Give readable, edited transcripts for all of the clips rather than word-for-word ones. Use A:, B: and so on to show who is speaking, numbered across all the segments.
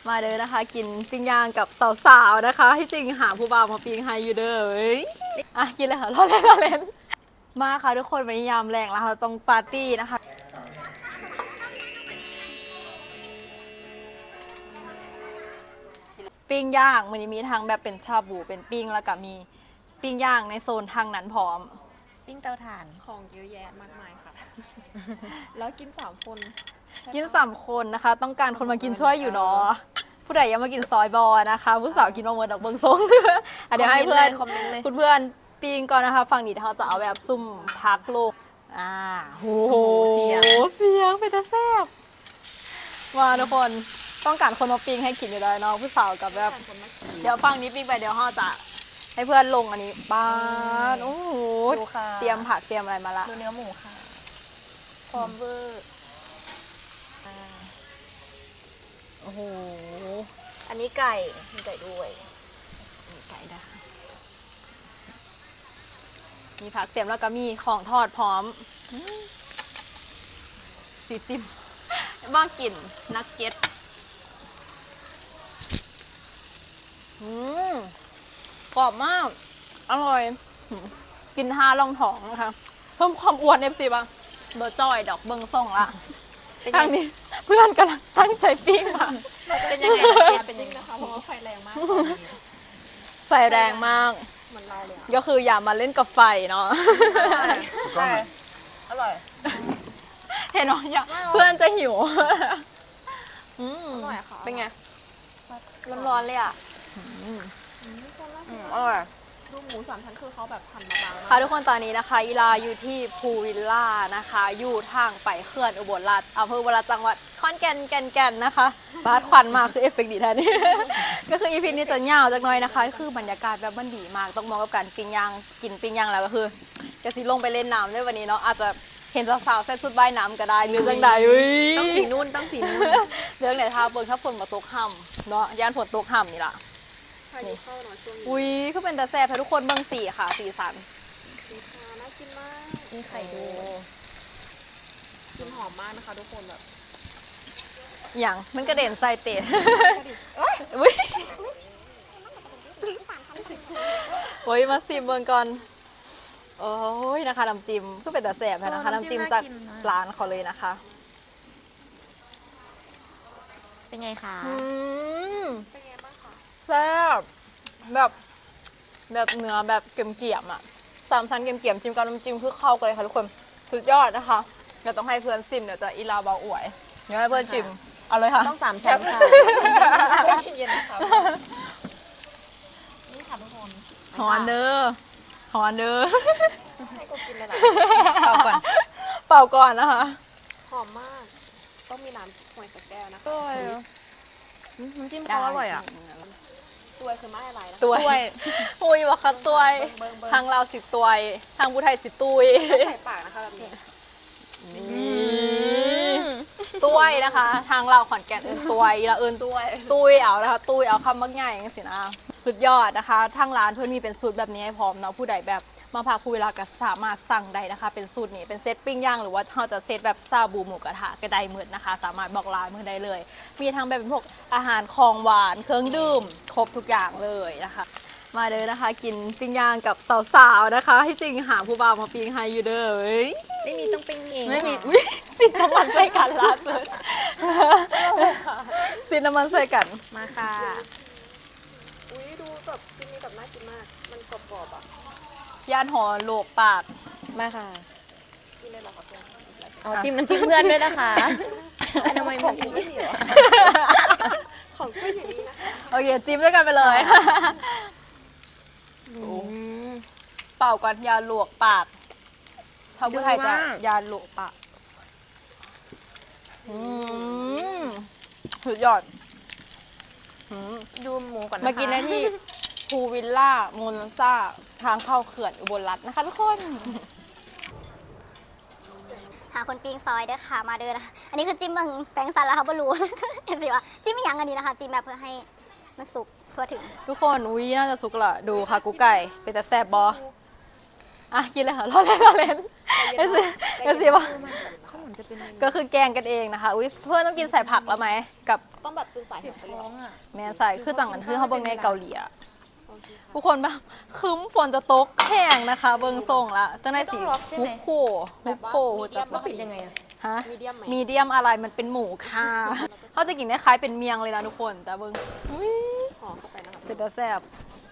A: มาเด้อนะคะกินปิ้งย่างกับสาวๆนะคะที่จริงหาผู้บ่าวมาปิ้งให้อยู่เด้อเว้ยอ่ะกินเลยค่ะรอเล่นมาค่ะทุกคนวันนี้ยามแรงแล้วค่ะต้องปาร์ตี้นะคะปิ้งย่างมันจะมีทั้งแบบเป็นชาบูเป็นปิ้งแล้วก็มีปิ้งย่างในโซนทางนั้นพร้อม
B: ปิ้งเตาถ่าน
C: ของเยอะแยะมากมายค่ะ แล้วกิน3 คน
A: กิน3 คนนะคะ ต้องการคนมากินช่วยอยู่เนาะผู้ใดยังมากินซอยบอนะคะผู้สาวกินมาเมินดอกเบิงทรง อ่ะเดี๋ยวให้เพื่อน
B: คอมเมนต์เลย
A: คุณเพื่อนปีงก่อนนะคะฝั่งนี้เขาจะเอาแบบซุ่มพักโลกโอ้โหเสียงเป็นตาแซ่บมาทุกคนต้องการคนมาปิ้งให้กินอยู่เลยเนาะผู้สาวกับแบบเดี๋ยวฝั่งนี้ปิ้งไปเดี๋ยวเขาจะให้เพื่อนลงอันนี้บ้านโอ้โห
B: ดูค่ะ
A: เตรียมผักเตรียมอะไรมาละ
B: ดูเนื้อหมูค่ะพร้อมเวอร์
A: โอ้โห
B: อันนี้ไก่มีไก่ด้วย
A: ไก่นะคะมีผักเตรียมแล้วก็มีของทอดพร้อม40บ้ากินนักเก็ตกรอบมาก อร่อย กิน5 รองท้องนะคะเพิ่มความอ้วนเอฟซีบ้างเบอร์จอยดอกเบิงส่งละทางนี้เพื่อนกำลังตั้งใจปิ้งมา
B: เป็นยังไงเป็นยังไง
C: นะคะเพราะว่าไฟแรงมาก
A: ไฟแรงมาก
C: เหมือนเราเลยอะ
A: ก็คืออย่ามาเล่นกับไฟเนาะ
B: ใช่อร่อย
A: เห็นไหมเพื่อนจะหิว
C: อร่อยค่ะ
B: เป็นไงร้อนๆเลยอ่ะอร่อย
C: ดูหมู3 ชั้นคือเขาแบบหั่นมาบางมาก
A: ค่ะทุกคนตอนนี้นะคะอีลาอยู่ที่ภูวิลล่านะคะ อยู่ทางไปเขื่อนอุบลราชอำเภออุบลราชจังหวัดขอนแก่นนะคะบาดควันมากคือเอฟเฟกต์ดีแท้นี่ ก็คืออีพีนี้จะยาวจักหน่อยนะคะ คือบรรยากาศแบบมันดีมากต้องมองกับการปิ้งย่างกินปิ้งย่างแล้วก็คือจะสิลงไปเล่นน้ำด้วยวันนี้เนาะอาจจะเห็นสาวๆใส่ชุดว่ายน้ำก็ได้หรือจังใด
B: ต้องสีนุ่นต้องสีนุ่น
A: เรื่องไหนท่าเบิ่งถ้าฝนมาตกห่ำเนาะย่านฝนตกห่ำนี่ล่ะ
C: ใครที่เข้าหน่อยช่วงนี้
A: อุ้ยก็เป็นตาแซ่บให้ทุกคนเบิ่งสีค่ะสีสัน
C: สีฟ้าน่ากินมาก
B: มีไข่ด้วย
C: กลินหอมมากนะคะทุกคนแบบ
A: อย่างมันกระเด็นใส่เป็ดอุ้ยโอ้ยมาซิมเบิ่งก่อนโอ้ยนะคะน้ำจิ้มคือเป็นตาแซ่บนะคะน้ำจิ้มจากร้านเขาเลยนะคะ
B: เป็นไงคะ
C: เป็นไงบ้างคะ
A: แซ่บแบบเนื้อแบบเกรียมๆอ่ะ3 ชั้นเกรียมๆจิ้มกับน้ำจิ้มคือเข้ากันเลยค่ะทุกคนสุดยอดนะคะเดี๋ยวต้องให้เพื่อนซิมเดี๋ยวจะอีลาเบาอวยเดี๋ยวให้เพื่อนชิมเอาเลยค่ะ
B: ต้อง3 ชั้นค่ะ
C: เย็นนะคะ
B: นี่ค่ะทุกคน
A: หอนเด้อหอนเด้อ
C: ให้กูกินเลยล่ะ
A: เป่าก่อนเป่าก่อนนะคะ
C: หอมมาก ต้องมีน้ำหอยสักแก้วนะคะ
B: น้ำจิ้มเขาอร่อยอ่ะ
C: ตัวคือไม่อะไรนะคะ
A: ตัวย
B: ด้วย
A: อุ้ยวะคะตัวย
C: เบิ่ง
A: ทางลาวสิตัวยทางผู้ไทยสิตุย
C: ใส่ปากนะคะแบบนี้
A: ตุยนะคะ ทางลาวขอนแก่นเอินตุยละเอินตุยเอานะคะตุยเอาคำมักง่ายอย่างสินะสุดยอดนะคะทางร้านเพื่อนมีเป็นสูตรแบบนี้ให้พร้อมเนาะผู้ใดแบบมาพักผู้เวลาก็สามารถสั่งได้นะคะ เป็นสูตรนี้เป็นเซตปิ้งย่างหรือว่าเราจะเซตแบบซาบูหมูกระทะก็ได้เหมือนนะคะ สามารถบอกร้านเพื่อนได้เลย มีทั้งแบบเป็นพวกอาหารของหวานเครื่องดื่มครบทุกอย่างเลยนะคะ มาเลยนะคะกินปิ้งย่างกับสาวๆนะคะที่จริงหาผู้บ่าวมาปิ้งให้อยู่เด้อเว้ย
B: ไม่มีต้องปิ้งเอง
A: ไม่มีอุ๊ยสินน้ำมันใส่กันล่าสุดสินน้ำมันใส่กัน
B: มาค่ะ
C: อุ้ยดูแบบชิ้นนี้แบบน่ากินมาก มันกรอบๆอ่ะ
A: ย่านหอโลกปาก
B: มาค่ะ
C: กินเลยเหรอคะเพื่อน
B: เอาจิ้มน้ำจิ้มเพื่อนด้วยนะคะทำไมมันอีก
C: ของขึ้นอย่างนี้นะคะ
A: โอเคจิ้มด้วยกันไปเลย เป่าก่อนยาหลวกปากพระผู้ไทยจะยาหลวกปากสุดยอด
B: ดูหมูก่อนนะคะ
A: มากินได้ที่ภูวิลล่าโมนซ่าทางเข้าเขื่อนอุบลรัตน์นะคะทุกคน
D: หาคนปิ้งซอยเด้อค่ะมาเด้อนะคะอันนี้คือจิ้มเบางแปลงสันแล้วค่ะบรู้ เอฟซีว่าจิ้มไม่ยั้งอันนี้นะคะจิ้มแบบเพื่อให้มันสุกทั่วถึง
A: ทุกคนอุ้ยน่าจะสุกละดูค่ะกุ๊กไก่เป็นแต่แซ่บบออ่ะกินเลยค่ะรอเล่นเอสซีว่า
B: ข้าวหมุนจะเป็นเมนู
A: ก็คือแกงกันเองนะคะอุ้ยเพื่อนต้องกินใส่ผักแล้วไหมกับ
C: ต้องแบบตื่นสาย
B: เจ็บ
C: ไป
B: ท้องอ่ะ
A: แม่ใส่คือจังกันคือเขาเบิ่งในเกาหลีอะ
C: โอเคค่ะ
A: ทุกคนแบบคึ้มฝนจะตกแห้งนะคะ เบิ่งส่งละจังได้สีฮุบโคฮุบโคจะ
B: แล้วปิดยังไงอ่ะ
A: ฮะ
C: มีเดียมไหม
A: มีเดียมอะไรมันเป็นหมูค่ะเขาจะกินคล้ายๆเป็นเมียงเลยนะทุกคนแต่เบิ่งอุ๊ย
C: ห่อเข้าไปนะคะ
A: เป็นตาแซ่บ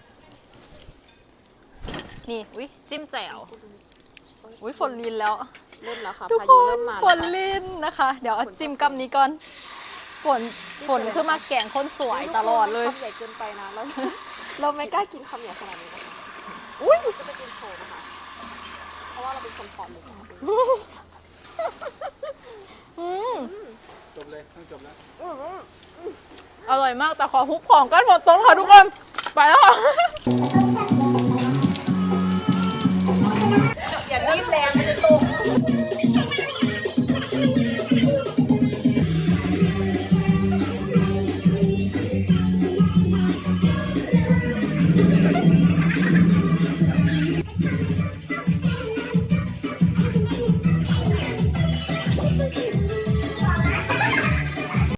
A: นี่อุ้ยจิ้มแจ่วอุ้ยฝนลินแล้ว
C: เริ่มแล้วค่ะ
A: ทุก
C: พา
A: ค
C: ยุ
A: น
C: เริ่มมา
A: ฝนลินนะคะ เดี๋ยวเอาจิ้มกับนี้ก่อนฝนคือมาแกงคนสวยตลอดเลย
C: คำใหญ่เกินไปนะเราไม่กล้ากินคำใหญ่ขนาดนี้นะคะอุ้ยจะไปกินโชว์นะคะเพราะว่าเราเป็นคนผอมเลยค่ะ
E: จบเลยต้องจบแล้ว
A: อร่อยมากแต่ขอฮุบของก้อนหมดต้นค่ะทุกคน ไปแล้วค่ะ